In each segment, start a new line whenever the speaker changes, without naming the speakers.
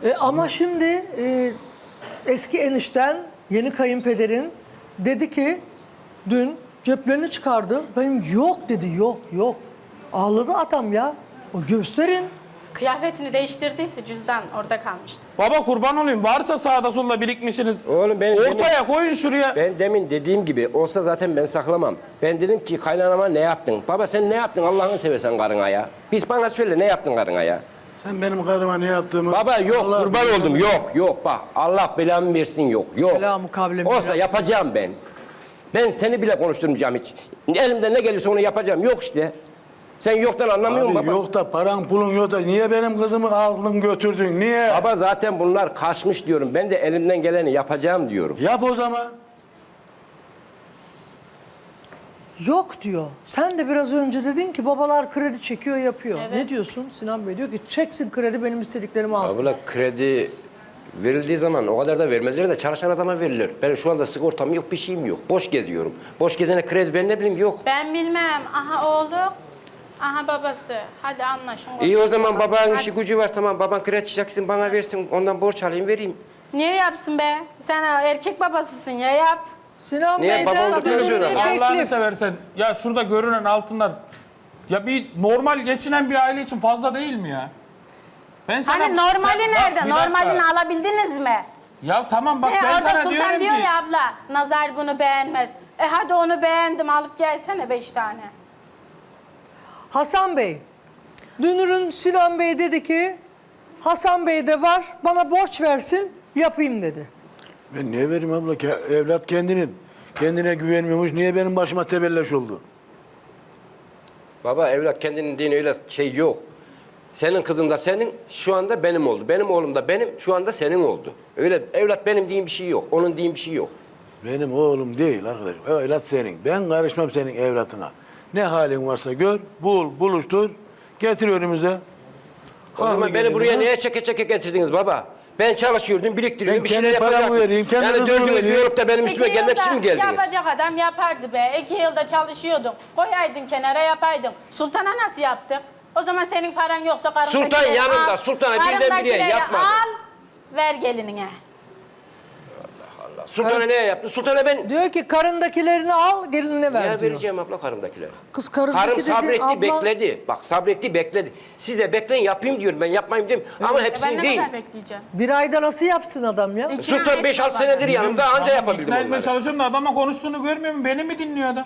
Ama şimdi eski enişten, yeni kayınpederin dedi ki dün ceplerini çıkardı. Benim yok dedi, yok. Ağladı adam ya. O gösterin.
Kıyafetini değiştirdiyse cüzdan orada kalmıştı.
Baba kurban olayım. Varsa sağda solda birikmişsiniz.
Oğlum ben
ortaya koyun şuraya.
Ben demin dediğim gibi olsa zaten ben saklamam. Ben dedim ki kaynanama ne yaptın? Baba sen ne yaptın Allah'ını seversen karına ya? Biz bana söyle ne yaptın karına ya?
Sen benim karıma ne yaptığımı...
Baba yok
Allah
kurban
bilir.
oldum yok bak Allah belamı versin yok.
Selamü kavlem.
Olsa yapacağım ben. Ben seni bile konuşturmayacağım hiç. Elimden ne gelirse onu yapacağım yok işte. Sen yoktan anlamıyor musun
Abi
baba?
yok da paran pulun yok da niye benim kızımı aldın götürdün niye?
Baba zaten bunlar kaçmış diyorum. Ben de elimden geleni yapacağım diyorum.
Yap o zaman.
Yok diyor. Sen de biraz önce dedin ki babalar kredi çekiyor yapıyor. Ne diyorsun? Sinan Bey diyor ki çeksin kredi benim istediklerimi alsın.
Abla kredi verildiği zaman o kadar da vermezler de çalışan adama verilir. Benim şu anda sigortam yok bir şeyim yok. Boş geziyorum. Boş gezene kredi ben ne bileyim yok.
Ben bilmem. Aha oğlu, aha babası. Hadi anlaşın.
İyi o zaman babanın
Hadi.
işi gücü var tamam. Baban kredi çeksin bana versin ondan borç alayım vereyim.
Niye yapsın be? Sen erkek babasısın ya yap.
Sinan
Niye
Bey'den
babam
dönürüne
tutuyor?
Allah'ını
teklif.
seversen. Ya şurada görünen altınlar. Ya bir normal geçinen bir aile için fazla değil mi ya? Ben sana...
Hani normali
Sen- bak,
nerede?
bir dakika.
Normalini alabildiniz mi?
Ya tamam bak ben
Orada
sana
Sultan
diyorum
diyor
ki...
ya abla, Nazar bunu beğenmez. Hadi onu beğendim alıp gelsene 5 tane.
Hasan Bey. Dünür'ün Sinan Bey dedi ki Hasan Bey de var bana borç versin yapayım dedi.
Ben niye vereyim abla? Evlat kendine güvenmiyormuş. Niye benim başıma tebelleş oldu?
Baba evlat kendinin dini öyle şey yok. Senin kızın da senin şu anda benim oldu. Benim oğlum da benim şu anda senin oldu. Öyle evlat benim diyeyim bir şey yok. Onun diyeyim bir şey yok.
Benim oğlum değil arkadaş. Evlat senin. Ben karışmam senin evlatına. Ne halin varsa gör, buluştur, getir önümüze.
O zaman
Haklı
beni
gelin
buraya
ha.
niye çeke getirdiniz baba? Ben çalışıyordum, biriktiriyordum,
Ben
bir şeyler
kendi paramı
yapacaktım.
vereyim, kendi
yani
kızımı
dördünüz bir
vereyim.
olup da benim üstüme
2
gelmek için mi geldiniz?
yapacak adam yapardı be. 2 yılda çalışıyordun. Koyaydın kenara yapaydın. Sultan'a nasıl yaptın? O zaman senin paran yoksa karındakileri
Sultan yanımda,
al.
Sultan'a birden biriye
Karındakileri
yapmadı.
al, ver gelinine.
Sultan'a ne yaptı? Sultan'a ben...
Diyor ki karındakilerini al gelinine ver
Ne
diyor.
vereceğim abla karımdakileri?
Kız karındaki
Karım
dedi,
sabretti,
abla-
bekledi. Bak sabretti, bekledi. Siz de bekleyin yapayım diyorum ben, yapmayayım diyorum. Ama
Ben
hepsini
ne
değil.
kadar bekleyeceğim?
Bir ayda nasıl yapsın adam ya?
İkna
Sultan
et
5-6
babanı.
senedir yanımda anca
Tamam,
yapabildim
İkna etmeye
onları.
çalışıyorum da adama konuştuğunu görmüyor mu? Beni mi dinliyor adam?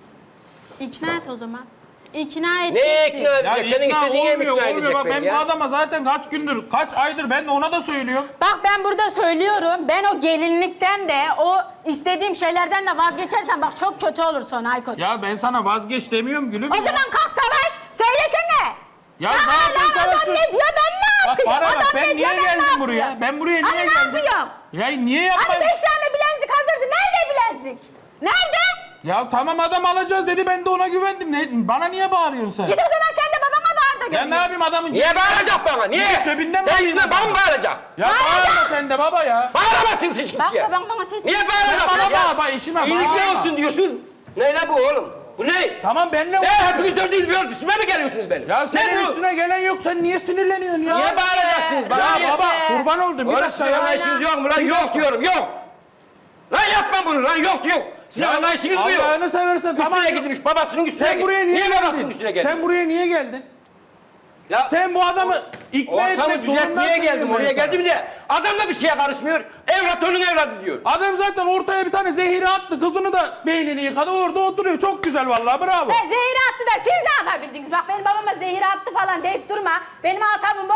İkna et o zaman. İkna et.
Ne ikna
Ya
edecek? Senin
ikna
istediğin mi ikna
olmuyor.
edecek
Bak ben
beni
bu
ya?
adama zaten kaç gündür, kaç aydır ben de ona da söylüyorum.
Bak ben burada söylüyorum. Ben o gelinlikten de o istediğim şeylerden de vazgeçersen bak çok kötü olur sonra Aykut.
Ya ben sana vazgeç demiyorum gülüm.
O
ya.
zaman kalk savaş. Söylesene.
Ya
Ya
ne yapayım
hala adam
savaşı?
ne diyor ben ne
Bak
yapayım?
bana bak
Adam
ben
ne
niye
diyor,
geldim
ne
buraya?
yapıyorum?
Ben buraya
Hani
niye
ne
geldim?
yapıyorum?
Ya niye
Hani
yapayım?
5 tane bilezik hazırdı. Nerede bilezik? Nerede?
Ya tamam adam alacağız dedi ben de ona güvendim. Bana niye bağırıyorsun sen?
Git o zaman sen de babana bağır da
Ya
gör.
ne yapayım adamın
Niye bağıracak bana? Niye?
Cebinden mi
Sen
alayım
yüzüne
adamı?
bana bağıracak.
Ya bağırma sen de baba ya.
Bağıramazsınız hiç
Bak
kimseye.
babam bana ses
Niye
Sen
bağıramazsınız
bana
ya?
bağır, bak işime
İyilikler
bağırma.
olsun diyorsunuz. Ne la bu oğlum? Bu ne?
Tamam benimle
Ne
uğraşıyorsun.
hepiniz dördünüz bir örgü üstüme mi geliyorsunuz benim?
Ya senin
ne bu?
üstüne gelen yok sen niye sinirleniyorsun ya?
Niye bağıracaksınız bana?
Ya
niye?
baba kurban oldum bir
Oğlum
dakika
sizin
ya.
anlayışınız yok mu lan? Yok diyorum yok. Lan yapma bunu lan yok. Sizin
Ya
anlayışınız mı yok?
Allah'ını seversen tamam.
Üstüne gitmiş babasının üstüne
Sen buraya niye
babasının
geldin?
üstüne geldin?
Sen buraya niye geldin?
Ya
Sen bu adamı ikna
ortamı
etmek
düzeltmeye
zorundasın.
geldim
diyorum
oraya
ben sana.
geldim de adam da bir şeye karışmıyor. Evlat onun evladı diyor.
Adam zaten ortaya bir tane zehiri attı. Kızını da beynini yıkadı. Orada oturuyor. Çok güzel vallahi bravo.
Zehir attı da siz ne yapabildiniz? Bak benim babama zehir attı falan deyip durma. Benim asabım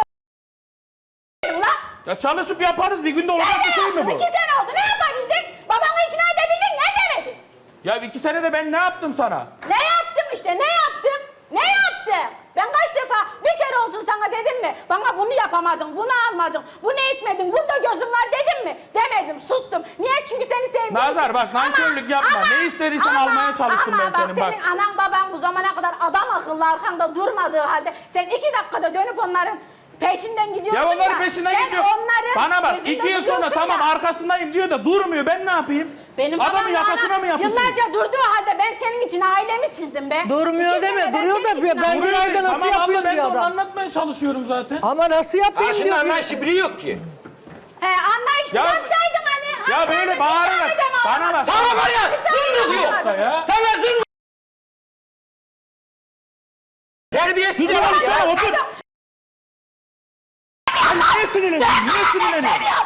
ulan.
Ya çalışıp yaparız. Bir günde olacak bir şey mi bu?
2 sene oldu ne yapabildin? Babanı ikna edebildin ne demedin?
Ya 2 senede ben ne yaptım sana?
Ne yaptım işte ne yaptım? Ne yaptım? Ben kaç defa bir kere olsun sana dedim mi? Bana bunu yapamadın, bunu almadın, bunu etmedin, bunda gözün var dedim mi? Demedim, sustum. Niye? Çünkü seni sevdim.
Nazar bak nankörlük yapma. Ne istediysen almaya çalıştım ben senin bak.
Senin anan baban bu zamana kadar adam akıllı arkanda durmadığı halde sen 2 dakikada dönüp onların peşinden gidiyorsun
Ya onların peşinden
sen
gidiyor.
onların
Bana bak
peşinden
2 yıl sonra
gidiyorsun
tamam
ya.
arkasındayım diyor da durmuyor. Ben ne yapayım?
Benim
Adamın
babam
yakasına
bana
mı yapışıyor?
Yıllarca durduğu halde ben senin için ailemi sildim be.
Durmuyor
2
deme,
sene
duruyor da
senin için
ben
ailemi
bir ayda nasıl
Tamam abla,
yapayım
ben de
diyor
onu
adam.
anlatmaya çalışıyorum zaten.
Ama nasıl yapayım
Karşında
diyor.
anlayışı biri yok ki.
Anlayışlı
Ya-
yapsaydın hani.
Ya böyle
Anlaydın,
bağırarak
bir tane de
bana bak.
Sana var ya zırnık yok.
Ya.
Sana zırnık. Terbiyesiz
Dur
adam
otur,
ya.
otur. Sen niye sinirleniyorsun? Niye sinirleniyorsun?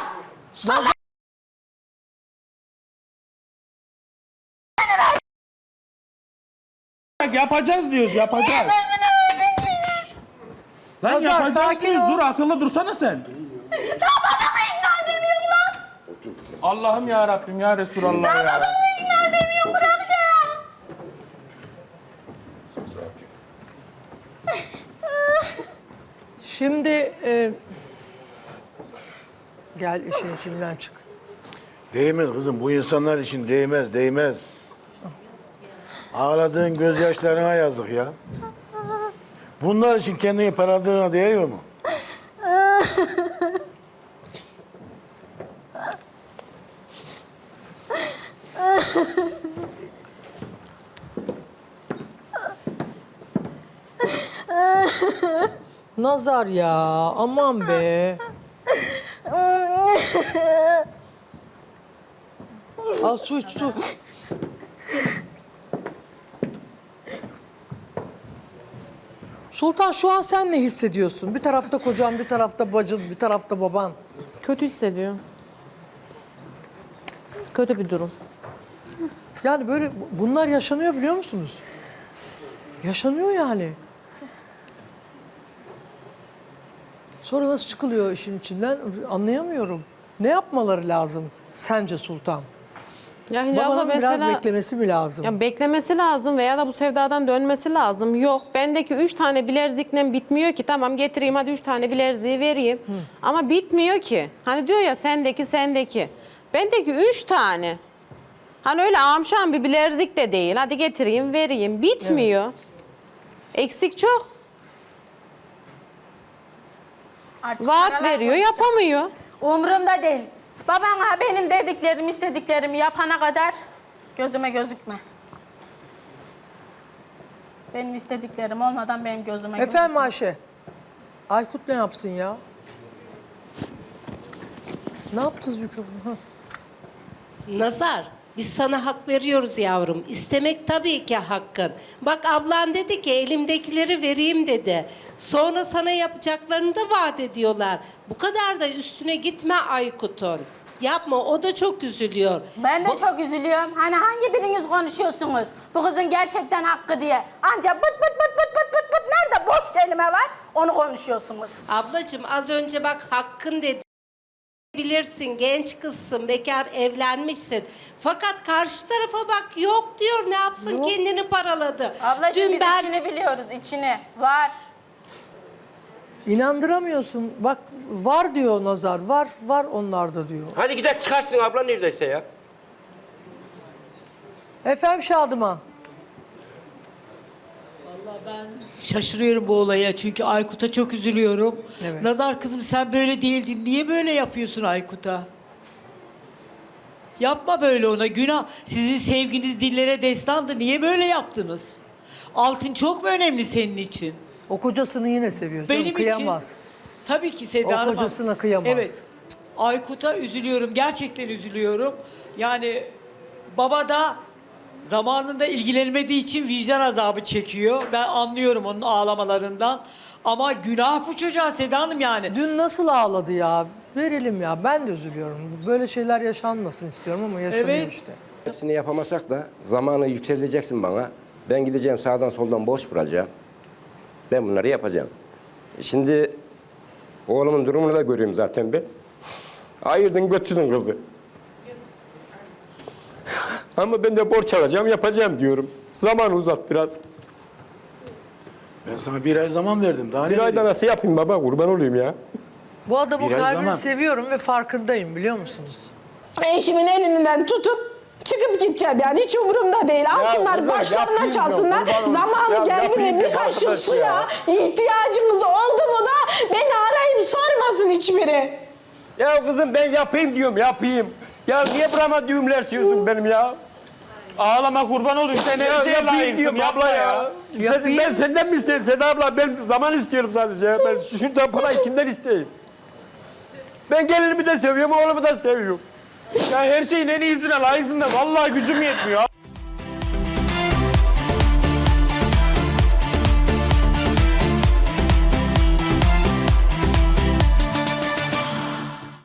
Yapacağız diyoruz, yapacağız. Lan
Nazar,
yapacağız
sakin
diyoruz.
ol.
Dur akıllı dursana sen.
Bana ikna edemiyorum lan.
Allah'ım ya Rabbim ya Resulallah ya.
İkna edemiyorum bırak ya.
Şimdi gel işin içinden çık.
Değmez kızım, bu insanlar için değmez, değmez. Ağladığın gözyaşlarına yazık ya. Bunlar için kendini paraladığına değiyor mu?
Nazar ya, aman be. Al su iç su. Sultan şu an sen ne hissediyorsun? Bir tarafta kocan, bir tarafta bacın, bir tarafta baban.
Kötü hissediyorum. Kötü bir durum.
Yani böyle bunlar yaşanıyor biliyor musunuz? Yaşanıyor yani. Sonra nasıl çıkılıyor işin içinden anlayamıyorum. Ne yapmaları lazım sence Sultan?
Ya Hilal abla
Babanın biraz
mesela
beklemesi mi lazım?
ya beklemesi lazım veya da bu sevdadan dönmesi lazım. Yok bendeki 3 tane bilezikle bitmiyor ki. Tamam getireyim hadi 3 tane bileziği vereyim. Ama bitmiyor ki. Hani diyor ya sendeki. Bendeki 3 tane. Hani öyle amşan bir bilezik de değil. Hadi getireyim vereyim. Bitmiyor. Eksik çok.
Artık
Vaat
paralar
veriyor
konuşacak.
yapamıyor.
Umurumda değil. Babana benim dediklerimi, istediklerimi yapana kadar gözüme gözükme. Benim istediklerim olmadan benim gözüme
Efendim Ayşe. Aykut ne yapsın ya? Ne yaptınız mikrofonu? Ha.
Nazar, biz sana hak veriyoruz yavrum. İstemek tabii ki hakkın. Bak ablan dedi ki elimdekileri vereyim dedi. Sonra sana yapacaklarını da vaat ediyorlar. Bu kadar da üstüne gitme Aykut'un. Yapma, o da çok üzülüyor.
Ben de çok üzülüyorum. Hani hangi biriniz konuşuyorsunuz? Bu kızın gerçekten hakkı diye. Anca bıt bıt bıt bıt bıt bıt bıt nerede boş kelime var onu konuşuyorsunuz.
Ablacığım az önce bak hakkın dedi. Bilirsin, genç kızsın, bekar evlenmişsin. Fakat karşı tarafa bak yok diyor, ne yapsın kendini paraladı.
Ablacığım
Dün
biz
ben
içini biliyoruz, içini. Var.
İnandıramıyorsun. Bak var diyor Nazar. Var onlarda diyor.
Hadi gidelim çıkarsın abla neredeyse ya.
Efendim Şadıman.
Vallahi ben şaşırıyorum bu olaya çünkü Aykut'a çok üzülüyorum.
Evet.
Nazar kızım sen böyle değildin. Niye böyle yapıyorsun Aykut'a? Yapma böyle ona günah. Sizin sevginiz dillere destandı. Niye böyle yaptınız? Altın çok mu önemli senin için?
O kocasını yine seviyor canım.
Benim
kıyamaz.
için tabii ki Seda
O
Hanım.
kocasına kıyamaz.
Evet. Aykut'a üzülüyorum. Gerçekten üzülüyorum. Yani baba da zamanında ilgilenmediği için vicdan azabı çekiyor. Ben anlıyorum onun ağlamalarından. Ama günah bu çocuğa Seda Hanım yani.
Dün nasıl ağladı ya? Verelim ya. Ben de üzülüyorum. Böyle şeyler yaşanmasın istiyorum ama yaşanıyor
Evet.
işte.
Hepsini yapamasak da zamanı yükseleceksin bana. Ben gideceğim sağdan soldan boş bulacağım. Ben bunları yapacağım. Şimdi oğlumun durumunu da görüyorum zaten ben. Ayırdın götürdün kızı. Ama ben de borç alacağım yapacağım diyorum. Zamanı uzat biraz.
Ben sana bir ay zaman verdim. Daha ne
Bir ayda
vereyim?
nasıl yapayım baba kurban olayım ya.
Bu adamın
Biraz
kalbini
zaman.
seviyorum ve farkındayım biliyor musunuz?
Eşimin elinden tutup çıkıp gideceğim yani hiç umurumda değil. Alsınlar
kızım,
başlarına
yapayım ya,
çalsınlar.
kurban olayım.
Zamanı
Ya
geldi
yapayım
mi bir
ya
kaşık
arkadaş
suya
ya.
ihtiyacınız oldu mu da beni arayıp sormasın hiçbiri.
Ya kızım ben yapayım diyorum yapayım.
Ya niye burama düğümler çiziyorsun benim ya?
Ağlama kurban olayım. Sen her şeye
yapayım
layıksın.
diyorum
Yapma
abla
ya.
ya. Ben senden mi isteyeyim Seda abla? Ben zaman istiyorum sadece. Ben şuradan parayı kimden isteyeyim? Ben gelinimi de seviyorum, oğlumu da seviyorum.
Ya her şeyin en iyisine layıksın da vallahi gücüm yetmiyor.